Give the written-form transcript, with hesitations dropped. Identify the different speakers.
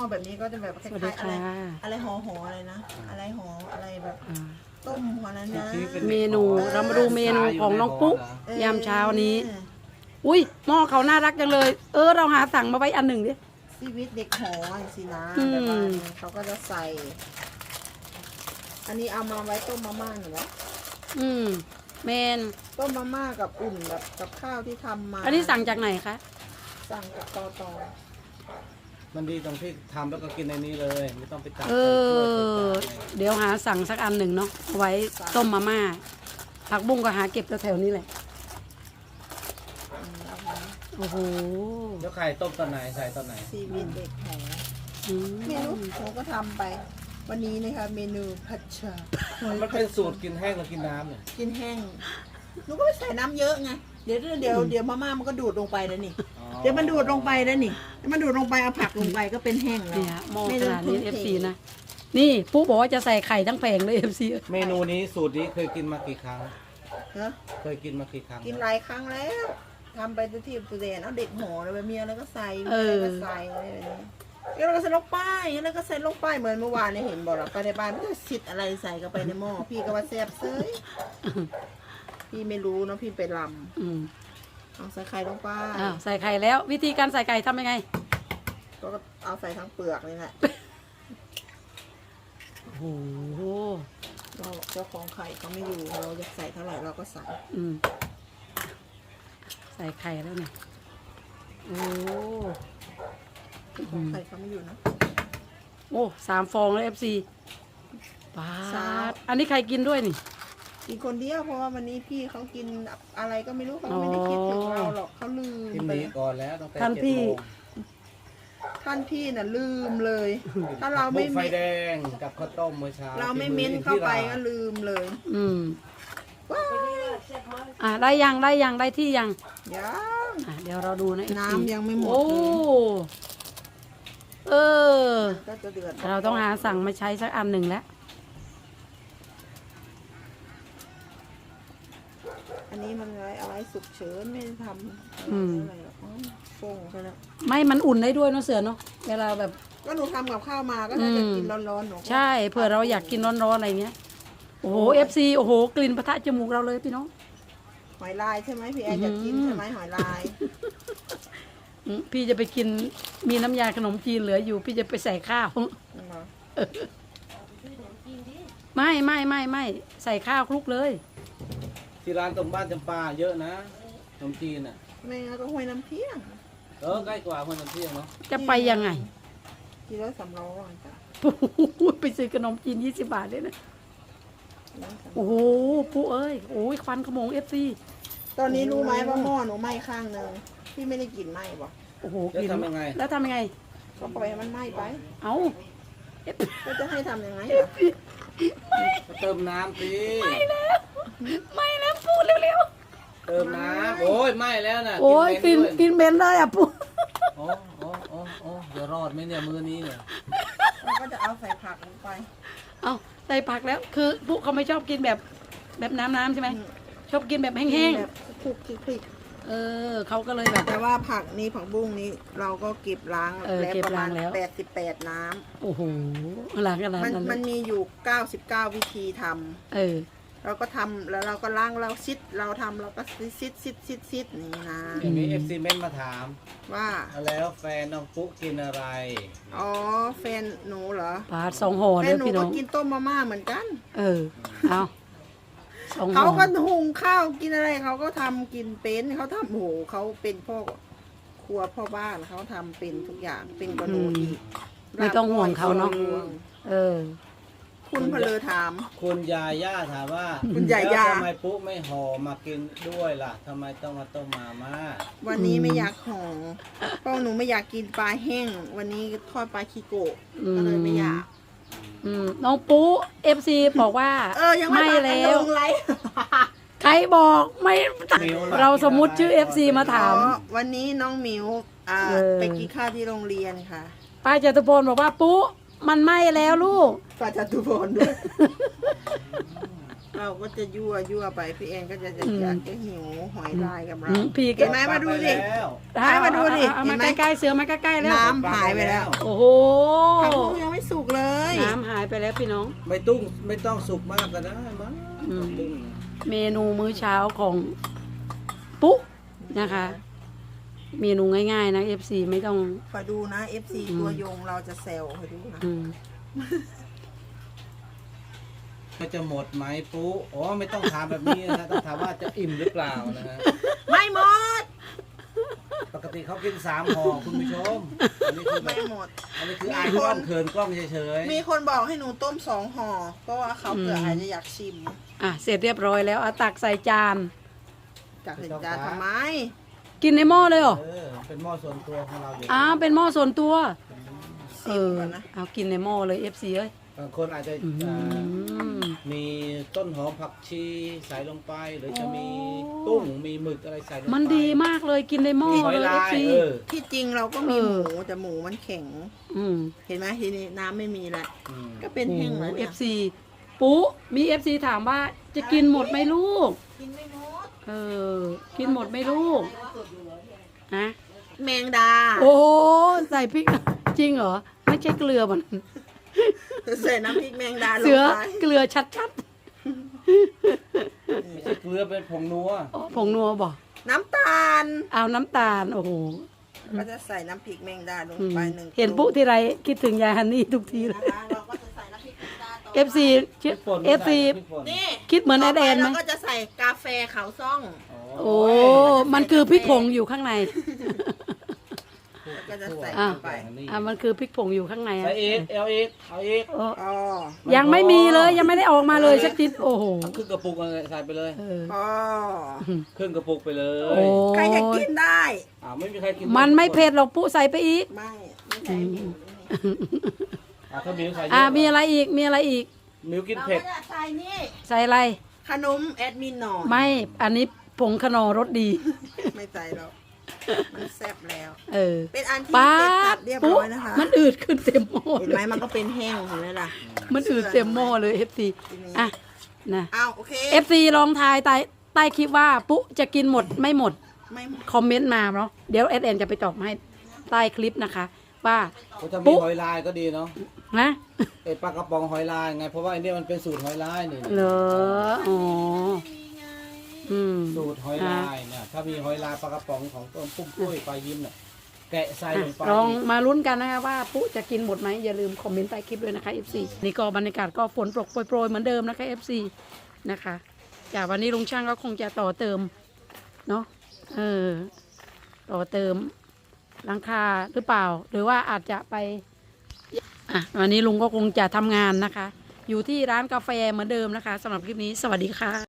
Speaker 1: แบบนี้ก็จะแบบคล้ายๆอะไรห่ออะไรนะอะไรห่ออะไรแบบต้มหัวนั้นนะ
Speaker 2: เมนูเรามาดูเมนูของน้องปุ๊ยามเช้านี้อุ้ยหม้อเขาน่ารักจังเลยเราหาสั่งมาไว้อันหนึ่งดิ
Speaker 1: ชีวิตเด็กหอสินะแบบว่าเขาก็จะใส่ อันนี้เอามาไว้ต้มมาม่าหน่อยนะ
Speaker 2: เมน
Speaker 1: ต้มมาม่ากับอุ่นแบบกับข้าวที่ทำมา
Speaker 2: อันนี้สั่งจากไหนคะ
Speaker 1: สั่งกับตอ
Speaker 3: มันดีตรงที่ทำแล้วก็กินในนี้เลยไม่ต้องไปตัก
Speaker 2: เดี๋ยวหาสั่งสักอันหนึ่งเนาะไว้ต้มมาม่าผักบุ้งก็หาเก็บแถวๆนี้แหละโอ้โห
Speaker 3: แล้วไข่ต้มตอนไหนใส่ตอนไหน
Speaker 1: ชีวิตเด็กหอเมนูผมก็ทำไปวันนี้นะคะเมนูผัดฉ่า
Speaker 3: มันเป็นสูตรกินแห้งหรือกินน้ำเนี่ย
Speaker 1: กินแห้งหนูก็ไม่ใส่น้ำเยอะไงเดี๋ยวมาม่ามันก็ดูดลงไปแล้วนี่เดี๋ยวมันดูดลงไปแล้วนี่มันดูดลงไปเอาผักลงไปก็เป็นแห้งแล้ว
Speaker 2: เนี่ยโมขนาดนี้ FC นะนี่ปุ๊บอกว่าจะใส่ไข่ทั้งแผงเลย FC
Speaker 3: เมนูนี้สูตรนี้เคยกินมากี่ครั้งเคยกินมากี่ครั้ง
Speaker 1: กินหลายครั้งแล้วทำไปที่ตัวเด่นเอาเด็กหอเลยมีอะไรก็ใส่อะไรก็ใส่อะไรแบบนี้แล้วก็ใส่ลงไปแล้วก็ใส่ลงไปเหมือนเมื่อวานเนี่ยเห็นบอกหรอไปในบ้านไม่ได้สิทธิ์อะไรใส่เข้าไปในหม้อพี่ก็ว่าแซ่บเซ้ยพี่ไม่รู้เนาะพี่ไปลำเอาใส่ไข่ลงไป
Speaker 2: ใส่ไข่แล้ววิธีการใส่ไข่ทำยังไง
Speaker 1: ก็เอาใส่ทั้งเปลือกนี่แหละ
Speaker 2: โอ้โห
Speaker 1: เราเจ้าของไข่เขาไม่อยู่เราจะใส่เท่าไหร่เราก็ใส่
Speaker 2: ใส่ไข่แล้วเนี่ยโอ้
Speaker 1: ของไข่เขาไม่อยู่นะ
Speaker 2: โอ้3 ฟองแล้ว FC ปาดอันนี้ใครกินด้วยนี่
Speaker 1: กินคนเดียวเพราะว่าวันนี้พี่เขากินอะไรก็ไม่รู้เขาไม่ได้คิดถึงเราหรอกเขาลืม
Speaker 3: ไปก่อนแล้วตั้งแต่
Speaker 2: ท่าน
Speaker 1: พี่น่ะลืมเลยถ้าเราไม่
Speaker 3: ไฟแดงกับข้าวต้มเมื่อเช้า
Speaker 1: เราไม่เม้นเข้าไปก็ลืมเลย
Speaker 2: ได้ยังได้ที่ยังเดี๋ยวเราดูนะ
Speaker 1: น้ำยังไม่หมดก็จะเดือด
Speaker 2: เราต้องหาสั่งมาใช้สักอันหนึ่งแล้ว
Speaker 1: อันนี้มันอะไรสุกเฉินไม่ได้ทำอะไรหรอกฟงใช่แล้ว
Speaker 2: ไม่มันอุ่นได้ด้วยเนาะเสือเนาะเวลาแบบ
Speaker 1: ก็หนูทำกับข้าวมาก็น่าจะกินร้อนๆหนู
Speaker 2: ใช่เผื่อเราอยากกินร้อนๆอะไรเงี้ยโอ้โห FC โอ้โหกลิ่นปะทะจมูกเราเลยพี่น้อง
Speaker 1: หอยลายใช่ไหมพี่แอนอยากกินใช่ไหมหอยลาย
Speaker 2: พี่จะไปกินมีน้ำยาขนมจีนเหลืออยู่พี่จะไปใส่ข้าวไม่ใส่ข้าวคลุกเลย
Speaker 3: ที่ร้านตรงบ้านจำปาเยอะนะขนมจีนอ่ะ
Speaker 1: ไม่งั้นก็ห้วยน้ำเที่ยง
Speaker 3: ใกล้กว่าห้วยน้ำเที่ยงเนาะ
Speaker 2: จะไปยังไง
Speaker 1: กิโล300จ้ะ
Speaker 2: ไปซื้อขนมจีน20 บาทเลยนะโอ้โหปุ๊เอ้ยโอ้ยควันขโมง FC
Speaker 1: ตอนนี้รู้ไหมว่าหม้อหนูไหม้ข้างนึงพี่ไม่ได้กลิ่นไหม้ป่ะ
Speaker 2: โอ้โห
Speaker 3: แล้วทำยังไง
Speaker 1: ก็ปล่อยมันไหม้ไปก็จะให้ทำยังไง
Speaker 3: เติมน้ำสิ
Speaker 2: ไม่แล้วพูดเร็ว
Speaker 3: ๆเติมน้ำโอ้ยไม่แล้วนะ
Speaker 2: โอ้ยกินเบนเลยปุ๊
Speaker 3: โอ้เดี๋ยวรอดไหมเนี่ยมือนี้เนี่ย
Speaker 1: เราก็จะเอาใส่ผักลงไป
Speaker 2: เอาใส่ผักแล้วคือปุ๊เขาไม่ชอบกินแบบน้ำใช่ไหมชอบกินแบบแห้ง
Speaker 1: ๆแบบคลุกคลิก
Speaker 2: เขาก็เลยแบบ
Speaker 1: แต่ว่าผักนี้ผักบุ้งนี้เราก็เก็บล้างแล้วประมาณ88 น้
Speaker 2: ำโอ้โหล้างกันแล้ว
Speaker 1: มันมีอยู่99วิธีทำเราก็ทำแล้วเราก็ล้างเราซิดเราทำเราก็ซิดนี่นะ
Speaker 3: มีFC เมนมาถาม
Speaker 1: ว่า
Speaker 3: แล้วแฟนน้องปุ๊กินอะไร
Speaker 1: แฟนหนูเหรอ
Speaker 2: ปลา2 ห่อเลยพี่น้อง
Speaker 1: แฟนหนูก็กินต้มมาม่าเหมือนกัน
Speaker 2: เอา
Speaker 1: เขาก็หุงข้าวกินอะไรเขาก็ทำกินเป็นเขาทำโหเขาเป็นพ่อครัวพ่อบ้านเขาทำเป็นทุกอย่างเป็นกระดูก
Speaker 2: ไม่ต้องห่วงเขาเนาะ
Speaker 1: คุณพลถาม
Speaker 3: คุณยาย่าถามว่า
Speaker 1: คุณยาย่า
Speaker 3: ทำไมปุ๊ไม่ห่อมากินด้วยล่ะทำไมต้องมาต้มมาม่า
Speaker 1: วันนี้ไม่อยากห่อเพราะหนูไม่อยากกินปลาแห้งวันนี้ทอดปลาคิโกะก็เลยไม่อยาก
Speaker 2: น้องปุ๊ FC บอกว่าไม่แล้วใครบอกไม่เราสมมุติชื่อ FC มาถาม
Speaker 1: วันนี้น้องหมิวไปกินข้าวที่โรงเรียนค่ะ
Speaker 2: ป้าจตุพลบอกว่าปุ๊มันไหม้แล้วลูก
Speaker 1: ป้าจตุพลด้วยเราก็จะยั่วไปพี่แอนก็จะอยากจะหิวหอยลายกับเรา
Speaker 2: พี่ก็
Speaker 1: เห็นไหมมาดูสิ มาดูดิ
Speaker 2: เอามา
Speaker 1: เห็นไหม
Speaker 2: ใกล้ๆเสือมาใกล้ๆแล้ว
Speaker 1: น้ำหายไปแล้ว
Speaker 2: โอ้โห
Speaker 1: ผักบุ้งยังไม่สุกเลย
Speaker 2: น้ำหายไปแล้วพี่น้อง
Speaker 3: ไม่ต้องสุกมากก็ได้มั้ง
Speaker 2: อืม
Speaker 3: ตึ้ง
Speaker 2: เมนูมื้อเช้าของปุ๊นะคะ เมนูง่ายๆนะ FC ไม่ต้อง
Speaker 1: คอยดูนะ FC ตัวยงเราจะเซลคอยดูนะ
Speaker 2: อืม
Speaker 3: มันจะหมดไหมปุ๊อ๋อไม่ต้องถามแบบนี้นะต้องถามว่าจะอิ่มหรือเปล่านะฮะ
Speaker 1: ไม่หมด
Speaker 3: ปกติเขากิน3 ห่อคุณผู้ชมอันนี้คือแบ
Speaker 1: ไม่
Speaker 3: บ
Speaker 1: หมด
Speaker 3: อันนี้คืออายกล้องเขินกล้องเฉย
Speaker 1: มีคนบอกให้หนูต้ม2 ห่อ เพราะว่าเขาเผื่ออาจจะอยากชิม
Speaker 2: อ่ะเสร็จเรียบร้อยแล้วเอาตักใส่จาน
Speaker 1: จากเห็นจานทำไม
Speaker 2: กินในหม้อเลยเหรอ
Speaker 3: เป็นหม้อส่วนตัวของเราอยู่
Speaker 2: เป็นหม้อส่วนตัว
Speaker 1: ชิมก่อนนะ
Speaker 2: เอากินในหม้อเลย FC เอ้ย
Speaker 3: บางคนอาจจะ
Speaker 2: อืม
Speaker 3: มีต้นหอมผักชีใส่ลงไป หรือจะมีตุ้งมีหมึกอะไรใส่ลงไป
Speaker 2: มันดีมากเลยกินในหม้อ
Speaker 3: มีหอย
Speaker 2: เลย
Speaker 3: ลาย
Speaker 2: FC
Speaker 1: ที่จริงเราก็มี
Speaker 2: เอ
Speaker 1: ห
Speaker 2: อ
Speaker 1: มูแต่หมูมันแข็ง
Speaker 2: อืม
Speaker 1: เห็นไหมทีนี้น้ำไม่มีแล้ว
Speaker 3: อืม
Speaker 1: ก็เป็นแห้งแล้วเนี่ย
Speaker 2: FC ปุ๊มี FC ถามว่าจะกินหมดไหมลูก
Speaker 1: กินไม่หมด
Speaker 2: กินหมดไหมลูกฮะ
Speaker 1: แมงดา
Speaker 2: โอ้ใส่พริก จริงเหรอ ไม่ใช่เกลือมัน
Speaker 1: ใส่น้ำพริกแมงดาลง
Speaker 2: เสือ
Speaker 1: ไป
Speaker 2: เกลือชัด
Speaker 3: ไม่ใช่เกลือเป็นผงนัว
Speaker 2: ๆอ๋อผงนัวบอก
Speaker 1: น้ำตาล
Speaker 2: เอาน้ำตาล โอ้โห
Speaker 1: ก็จะใส่น้ำพริกแมงดาลง
Speaker 2: อืม
Speaker 1: ไป1
Speaker 2: เห็นปุ๊ที่ไรคิดถึงยายฮันนี่ทุกทีเลย
Speaker 1: นะคะเราก็จะใส่น้ำพริกแมงดาต่อ
Speaker 2: FC
Speaker 3: พริกป่น
Speaker 2: FC
Speaker 3: พริกป่น
Speaker 1: นี่
Speaker 2: คิดเหมือนแอดแอนไหม
Speaker 1: ต่ไปเราก็จะใส่กาแฟขาวซ่อง
Speaker 2: โอ้ มันคือพริกผงอยู่ข้างใน
Speaker 1: แล้วก็จะใส่
Speaker 2: อ่ะ
Speaker 1: เข้าไป
Speaker 2: มันคือพริกผงอยู่ข้างใน
Speaker 3: ใส่
Speaker 2: อ่ะ
Speaker 3: อีกเอาอีกเอาอีก
Speaker 2: โอ้
Speaker 1: อ๋อ
Speaker 2: ยังไม่มีเลยยังไม่ได้ออกมาเลยสักทีโอ้โห
Speaker 3: เอาครึ่งกระปุกอะไรใส่ไปเลย
Speaker 2: เออ
Speaker 1: อ๋อ
Speaker 3: ครึ่งกระปุกไปเล
Speaker 2: โอ้
Speaker 3: ย
Speaker 1: ใครจะกินได้
Speaker 3: ไม่มีใครกิน
Speaker 2: มันไม่เผ็ดหรอกปุ๊ใส่ไปอีก
Speaker 1: ไม่ใช่หมู
Speaker 3: ถ้ามิวใส่เย
Speaker 2: มีอะไรอีกมีอะไรอีก
Speaker 3: มิวกิน
Speaker 1: เรา
Speaker 3: เผ็ด
Speaker 1: ก็จะใส่นี่
Speaker 2: ใส่อะไร
Speaker 1: ขนมแอดมินหน่อย
Speaker 2: ไม่อันนี้ผงขนอรสดี
Speaker 1: ไม่ใส่หรอกมันแซ่บแล้ว เป็นอันที่
Speaker 2: ป้า
Speaker 1: เสร็จสั
Speaker 2: ด
Speaker 1: บเรียบ
Speaker 2: ปุ๊
Speaker 1: ร้อยนะคะ
Speaker 2: มันอืดขึ้นเต็มหม้อ
Speaker 1: เห็นไหมมันก็เป็นแห้งเห็นไหมล่ะ
Speaker 2: มันอืดเต็มหม้อเลย FC อ่ะนะ
Speaker 1: อ้าวโอเค
Speaker 2: FC ลองทายใต้คลิปว่าปุ๊จะกินหมดไม่หมด
Speaker 1: ไม่หมด
Speaker 2: คอมเมนต์มาเนาะเดี๋ยวเอ็นจะไปตอบให้ใต้คลิปนะคะ ว่า
Speaker 3: ก็จะมี
Speaker 2: ปุ๊
Speaker 3: หอยลายก็ดีเนาะ
Speaker 2: นะ
Speaker 3: ไอปลากระป๋องหอยลายไงเพราะว่าไอเนี่ยมันเป็นสูตรหอยลายนี่
Speaker 2: เหรออ๋ออืม
Speaker 3: สูตรหอยลายเนี่ยถ้ามีหอยลายปลากระป๋องของต้นปุ้มปุ้ยปลายิ้มเนี่ยแกะใส่ลงไป
Speaker 2: ลองมาลุ้นกันนะคะว่าปุ๊จะกินหมดไหมอย่าลืมคอมเมนต์ใต้คลิปด้วยนะคะ FC นี่ก็บรรยากาศก็ฝนโปรยๆเหมือนเดิมนะคะ FC นะคะจากวันนี้ลุงช่างก็คงจะต่อเติมเนาะต่อเติมหลังคาหรือเปล่า หรือว่าอาจจะไปวันนี้ลุงก็คงจะทำงานนะคะ อยู่ที่ร้านกาแฟเหมือนเดิมนะคะสำหรับคลิปนี้สวัสดีค่ะ